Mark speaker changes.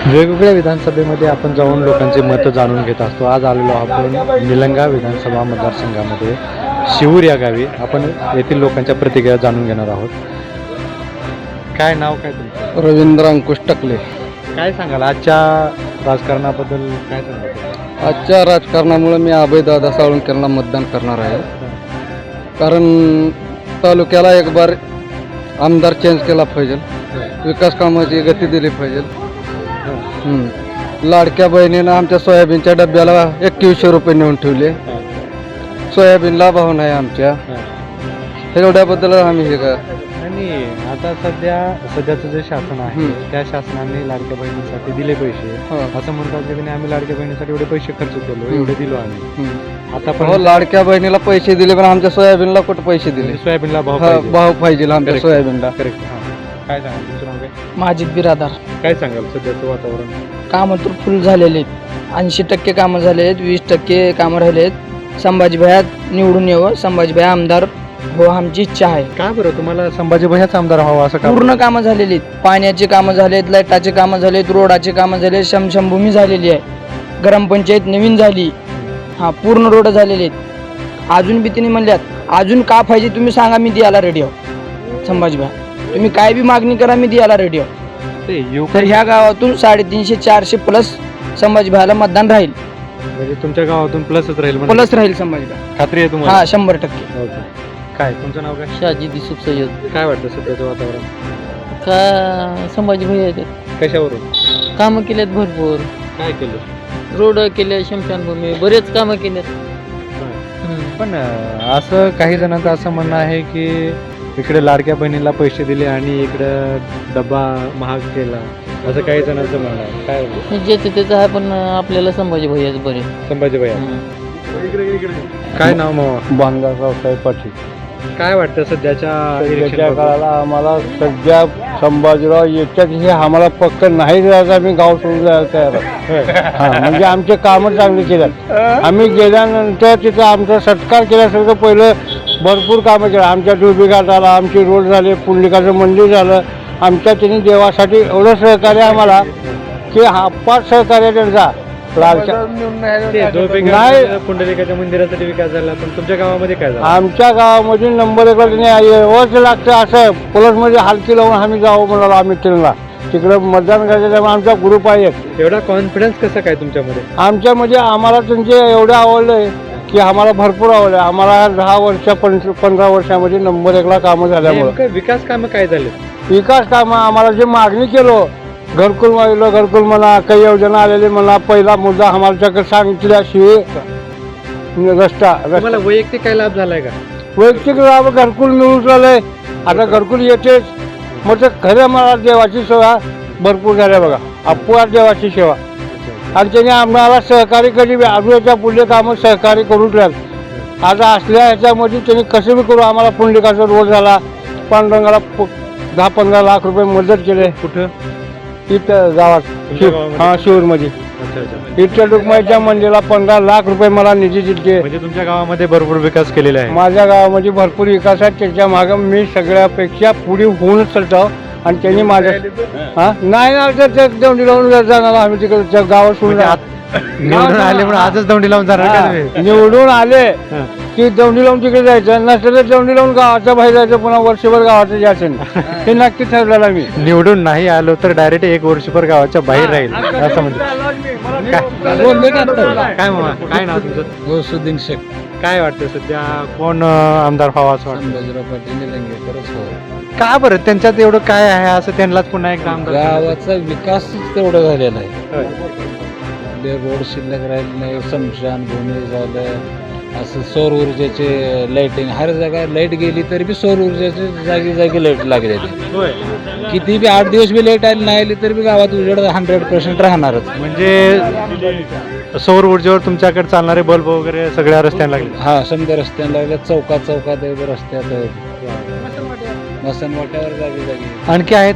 Speaker 1: वेगवेगळ्या विधानसभेमध्ये आपण जाऊन लोकांचे मतं जाणून घेत असतो. आज आलेलो आपण निलंगा विधानसभा मतदारसंघामध्ये शिवूर या गावी. आपण येथील लोकांच्या प्रतिक्रिया जाणून घेणार आहोत. काय नाव काय तुमचं?
Speaker 2: रवींद्र अंकुश टकले.
Speaker 1: काय सांगाल आजच्या राजकारणाबद्दल? काय सांगाल
Speaker 2: आजच्या राजकारणामुळे मी अभयदादा साळुंकेला मतदान करणार आहे. कारण तालुक्याला एक बार आमदार चेंज केला पाहिजे, विकास कामाची गती दिली पाहिजे. लाडक्या बहिणीनं आमच्या सोयाबीनच्या डब्याला 2100 रुपये नेऊन ठेवले. सोयाबीनला भाव नाही आमच्या. एवढ्याबद्दल आम्ही हे का.
Speaker 1: आणि आता सध्याचं जे शासन आहे त्या शासनाने लाडक्या बहिणीसाठी दिले पैसे. असं म्हणतात की आम्ही लाडक्या बहिणीसाठी एवढे पैसे खर्च केलो, एवढे दिलो आम्ही. आता पण
Speaker 2: लाडक्या बहिणीला पैसे दिले, पण आमच्या सोयाबीनला कुठे पैसे दिले?
Speaker 1: सोयाबीनला
Speaker 2: भाव पाहिजे आमच्या सोयाबीनला.
Speaker 1: करेक्ट. काय सांगाल तुमचं नाव काय?
Speaker 3: माजिद बिरादार.
Speaker 1: काय सांगाल सध्याचं वातावरण?
Speaker 3: कामं तर फुल झालेले आहेत. 80% कामं झाले आहेत, 20% कामं राहिले आहेत. संभाजीभाई निवडून यावं, संभाजीभाई आमदार हो आमची इच्छा आहे.
Speaker 1: का बरं तुम्हाला संभाजीभाईच आमदार व्हावं असं का?
Speaker 3: पूर्ण कामं झालेली आहेत. पाण्याची कामं झालेत, लाईटाची कामं झालेत, रोडाची कामं झाले, शमशमभूमी झालेली आहे, ग्रामपंचायत नवीन झाली. पूर्ण रोड झालेले आहेत. अजून बी तिने म्हणल्यात अजून का पाहिजे तुम्ही सांगा, मी द्यायला रेडी आहो. संभाजीभाई तुम्ही काय बी मागणी करा, मी द्यायला रेडी आहो. तर ह्या गावातून 350-400 प्लस संभाजीभाईला मतदान राहील.
Speaker 1: म्हणजे तुमच्या गावातून प्लसच राहील?
Speaker 3: प्लस राहील संभाजीभाई.
Speaker 1: खात्री आहे तुम्हाला?
Speaker 3: 100%.
Speaker 1: काय तुमचं नाव काय?
Speaker 4: शाजी दिसूक सय्यद.
Speaker 1: काय वाटतं सध्याचं वातावरण?
Speaker 4: का संभाजीभाई आहेत,
Speaker 1: कशावरून
Speaker 4: कामं केलेत भरपूर.
Speaker 1: काय केलं?
Speaker 4: रोड केले, शमशानभूमी, बरेच कामं केलेत.
Speaker 1: पण असं काही जणांचं असं म्हणणं आहे की इकडे लाडक्या बहिणीला पैसे दिले आणि इकडं डब्बा महाग केला, असं काही जणांचं म्हणणं आहे. काय
Speaker 4: ज्याचं त्याचं आहे, पण आपल्याला संभाजीभाई आहेत बरे.
Speaker 1: संभाजीभाई काय नाव मग?
Speaker 2: बांधाराव साहेब पाटील.
Speaker 1: काय वाटतं सध्याच्या
Speaker 2: काळाला आम्हाला सध्या संभाजीराव याच्यात हे आम्हाला पक्क नाही जायचं, आम्ही गाव सोडून जायला तयार आहोत. म्हणजे आमचे कामं चांगली केल्यात. आम्ही गेल्यानंतर तिथं आमचा सत्कार केल्यासारखं पहिलं भरपूर कामं केलं. आमच्या डुबिघाट झाला, आमची रोड झाले, पुंडलिकाचं मंदिर झालं. आमच्या तिने देवासाठी एवढं सहकार्य आम्हाला की अपार सहकार्य त्यांचा.
Speaker 1: पुंडलिकाच्या मंदिरासाठी विकास झाला, पण तुमच्या गावामध्ये काय झालं?
Speaker 2: आमच्या गावामध्ये नंबर 1 व्यवस्थित लागतं. असं प्लसमध्ये हलकी लावून आम्ही जावं म्हणालो. आम्ही ट्रेनला तिकडं मतदान करायचं, त्यामुळे आमचा ग्रुप आहे.
Speaker 1: एवढा कॉन्फिडन्स कसं काय तुमच्यामध्ये?
Speaker 2: आमच्यामध्ये आम्हाला त्यांचे एवढं आवडलंय की आम्हाला भरपूर आवडलं. आम्हाला 15 वर्षामध्ये नंबर 1ला कामं झाल्यामुळे.
Speaker 1: विकास कामं काय झाले?
Speaker 2: विकास कामं आम्हाला जे मागणी केलो, घरकुल मागलं, घरकुल म्हणा, काही योजना आलेली म्हणा. पहिला मुद्दा आम्हाला शिवाय रस्ता.
Speaker 1: मला वैयक्तिक काय लाभ झालाय का?
Speaker 2: वैयक्तिक लाभ घरकुल मिळून राहिलंय. आता घरकुल येतेच. मग खरं मला देवाची सेवा भरपूर झाल्या बघा. अपवार देवाची सेवा. आणि त्याने आम्हाला सहकारी कधी आजूबाजूच्या पुढले कामं सहकारी करून राहिलं. आता असल्या ह्याच्यामध्ये त्यांनी कसं बी करू आम्हाला पुंडलिकाचा रोड झाला, पांडुरंगाला 10-15 लाख रुपये मदत केले.
Speaker 1: कुठं?
Speaker 2: इथं गावात शिवूरमध्ये. इथच्या डुकमाईच्या मंदिराला 15 लाख रुपये मला निधी दिले.
Speaker 1: म्हणजे तुमच्या गावामध्ये भरपूर विकास केलेला आहे?
Speaker 2: माझ्या गावामध्ये भरपूर विकास आहे. त्याच्या मागं मी सगळ्यापेक्षा पुढे होऊनच चालतो. आणि त्यांनी माझ्या नाही ना दौंडी लावून जाणार. आम्ही तिकडे गावात सोडून
Speaker 1: निवडून आले म्हणून आजच दौंडी लावून जाणार?
Speaker 2: निवडून आले की दौंडी लावून तिकडे जायचं, नसलं तर दौंडी लावून गावाच्या बाहेर जायचं, पुन्हा वर्षभर गावाचं जायचं नाही. हे नक्की ठरलेलं मी.
Speaker 1: निवडून नाही आलो तर डायरेक्ट 1 वर्षभर गावाच्या बाहेर राहील असं म्हणतो. काय मामा, काय नाव तुमचं?
Speaker 2: गौसुद्दीन शेख.
Speaker 1: काय वाटतं सध्या कोण आमदार व्हावा असं वाटतं?
Speaker 2: संभाजीराव पाटील निलंगेकरच.
Speaker 1: का बरं त्यांच्यात एवढं काय आहे असं त्यांनाच पुन्हा एकदा आमदार?
Speaker 2: गावाचा विकास तेवढा झालेला आहे. रोड शिल्लक राहिले नाही, स्मशान भूमी झालं, असं सौर ऊर्जेचे लाईटिंग. हर जागा लाईट गेली तरी बी सौर ऊर्जेचे जागी जागी लाईट लागली. किती बी 8 दिवस बी लाईट आली नाही आली तरी बी गावात उजेड 100% राहणारच.
Speaker 1: म्हणजे सौर ऊर्जेवर तुमच्याकडे चालणारे बल्ब वगैरे सगळ्या रस्त्याला लागले?
Speaker 2: समजा रस्त्याला लागले, चौकात रस्त्यात, मसनवाट्यावर जागी जागी.
Speaker 1: आणखी आहेत